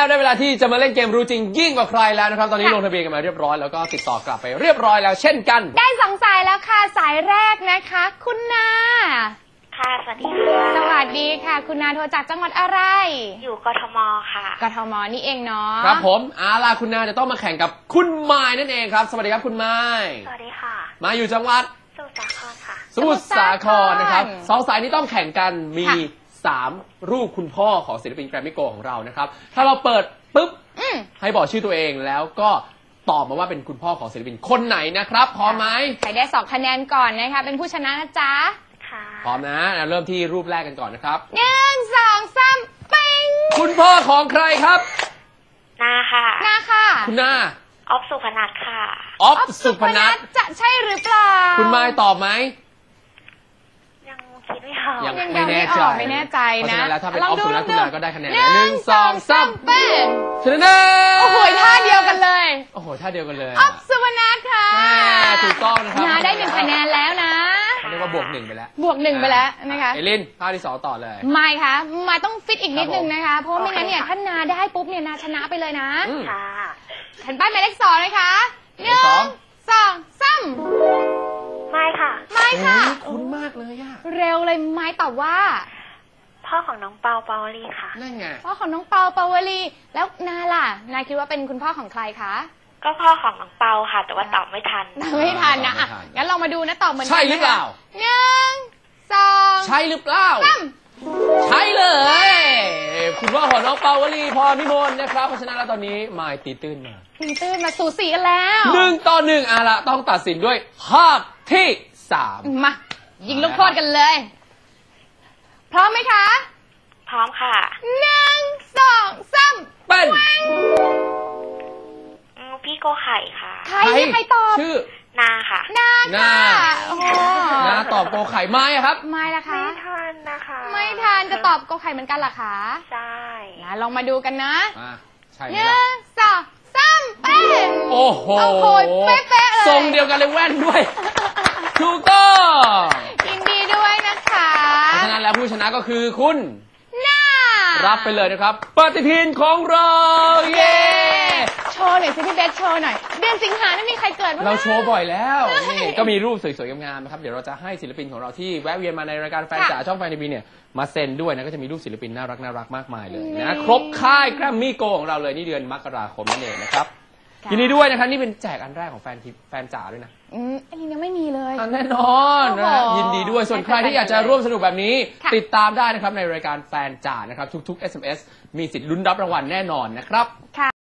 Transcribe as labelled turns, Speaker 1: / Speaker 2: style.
Speaker 1: ได้เวลาที่จะมาเล่นเกมรู้จริงยิ่งกว่าใครแล้วนะครับตอนนี้ลงทะเบียนกันมาเรียบร้อยแล้วก็ติดต่อกลับไปเรียบร้อยแล้วเช่นกัน
Speaker 2: ได้2 สายแล้วค่ะสายแรกนะคะคุณนา
Speaker 3: ค่ะสวัสดีค่ะ
Speaker 2: สวัสดีค่ะคุณนาโทรจากจังหวัดอะไร
Speaker 3: อยู่กทมค่ะ
Speaker 2: กทมนี่เองเนาะ
Speaker 1: ครับผมล่ะคุณนาจะต้องมาแข่งกับคุณไม้นั่นเองครับสวัสดีครับคุณไม้
Speaker 3: สวัสดีค่ะ
Speaker 1: มาอยู่จังหวัด
Speaker 3: สมุทรสาครค่ะ
Speaker 1: สมุทรสาครนะครับ2 สายนี้ต้องแข่งกันมี3 รูปคุณพ่อของศิลปินแกรมมี่โกของเรานะครับถ้าเราเปิดปุ๊บให้บอกชื่อตัวเองแล้วก็ตอบมาว่าเป็นคุณพ่อของศิลปินคนไหนนะครับพร้อมไหม
Speaker 2: ใครได้2 คะแนนก่อนนะคะเป็นผู้ชนะนะจ๊ะ
Speaker 1: พร้อมนะเริ่มที่รูปแรกกันก่อนนะครับ
Speaker 2: 1 2 3ปิ๊ง
Speaker 1: คุณพ่อของใครครับ
Speaker 3: นาค่ะ
Speaker 2: นาค่ะ
Speaker 1: คุณนา
Speaker 3: ออฟสุพนัทค่ะ
Speaker 1: ออฟสุพนัท
Speaker 2: จะใช่หรือเปล่า
Speaker 1: คุณไม้ตอบไหม
Speaker 3: ยังคิดไม่ออก
Speaker 1: ยังไม่แน่ใจ
Speaker 2: เพราะฉะนั้น
Speaker 1: แล้วถ้าเป็นออฟสุพนัทคุณนาก็ได้คะแนน1 2 3
Speaker 2: เป็น
Speaker 1: ชนะ
Speaker 2: โอ้โหท่าเดียวกันเลย
Speaker 1: โอ้โหท่าเดียวกันเลย
Speaker 2: ออฟสุพนัทค่ะ
Speaker 1: ถูกต้องนะครับ
Speaker 2: นาได้1 คะแนนแล้วนะ
Speaker 1: เรียกว่าบวก1ไปแล้ว
Speaker 2: บวก1ไปแล้วนะคะ
Speaker 1: เอลินภาพที่2ต่อเลย
Speaker 2: ไม่ค่ะมาต้องฟิตอีกนิดนึงนะคะเพราะไม่งั้นเนี่ยถ้านาได้ปุ๊บเนี่ยนาชนะไปเลยนะ
Speaker 3: ค่ะ
Speaker 2: แผ่นป้ายหมายเลข2เลยค่ะ1 2 3
Speaker 3: ไม่ค่ะ
Speaker 2: ไม่ค่ะ
Speaker 1: คุ้นมากเลยอะ
Speaker 2: เร็วเลยไม่ตอบว่า
Speaker 3: พ่อของน้องเปาเปาวลีค่ะ
Speaker 1: นั่นไง
Speaker 2: พ่อของน้องเปาเปาวลีแล้วนาล่ะนาคิดว่าเป็นคุณพ่อของใครคะ
Speaker 3: ก็พ่อของน้องเปาค่ะแต่ว่าตอบไม่ทัน
Speaker 2: ไม่ทันนะงั้นลองมาดูนะตอบเหมือนกัน
Speaker 1: ใช่หรือเปล่า
Speaker 2: 1 2
Speaker 1: ใช่หรือเปล่าใช่เลยคุณพ่อของน้องเปาวลีพรพิมลนะครับเพราะฉะนั้นแล้วตอนนี้มายตีตื้น
Speaker 2: มาสูสีกันแล้ว
Speaker 1: 1 ต่อ 1ละต้องตัดสินด้วยภาพที่3
Speaker 2: มายิงลูกโทษกันเลยพร้อมไหมคะ
Speaker 3: พร้อมค่ะ
Speaker 2: 1 2 3
Speaker 1: เป็น
Speaker 3: พี่โกไข่ค่ะ
Speaker 2: ใครตอบ
Speaker 1: ชื่อ
Speaker 3: นาค่ะ
Speaker 2: นา
Speaker 1: นาตอบโกไข่ไม้ครับ
Speaker 2: ไม่ละคะ
Speaker 3: ไม่ทันนะคะ
Speaker 2: ไม่ทันจะตอบโกไข่เหมือนกันเหรอคะ
Speaker 3: ใช่
Speaker 2: นะลองมาดูกันนะ
Speaker 1: ใช่
Speaker 2: 1 2 3เป็น
Speaker 1: โอ้โห
Speaker 2: เป๊ะเลย
Speaker 1: ทรงเดียวกันเลยแว่นด้วยถูกต้อง
Speaker 2: ยินดีด้วยนะคะ
Speaker 1: เพราะฉะนั้นแล้วผู้ชนะก็คือคุณ
Speaker 2: นา
Speaker 1: รับไปเลยนะครับปฏิทินของเราเย้
Speaker 2: โชว์หน่อยสิพี่เบคโชว์หน่อยเดือนสิงหาไม่มีใครเกิด
Speaker 1: เราโชว์บ่อยแล้วนี่ก็มีรูปสวยๆงามๆนะครับเดี๋ยวเราจะให้ศิลปินของเราที่แวะเวียนมาในรายการแฟนจ๋าช่องแฟนทีวีเนี่ยมาเซ็นด้วยนะก็จะมีรูปศิลปินน่ารักมากมายเลยนะครบค่ายแกรมมี่โกของเราเลยนี่เดือนมกราคมนั่นเองนะครับยินดีด้วยนะครับนี่เป็นแจกอันแรกของแฟนจ๋าด้วยนะ
Speaker 2: อันนี้ยังไม่มีเลย
Speaker 1: แน่นอนนะยินดีด้วยส่วนใครที่อยากจะร่วมสนุกแบบนี้ติดตามได้นะครับในรายการแฟนจ๋านะครับทุกๆ SMS มีสิทธิ์ลุ้นรับรางวัลแน่นอนนะครับ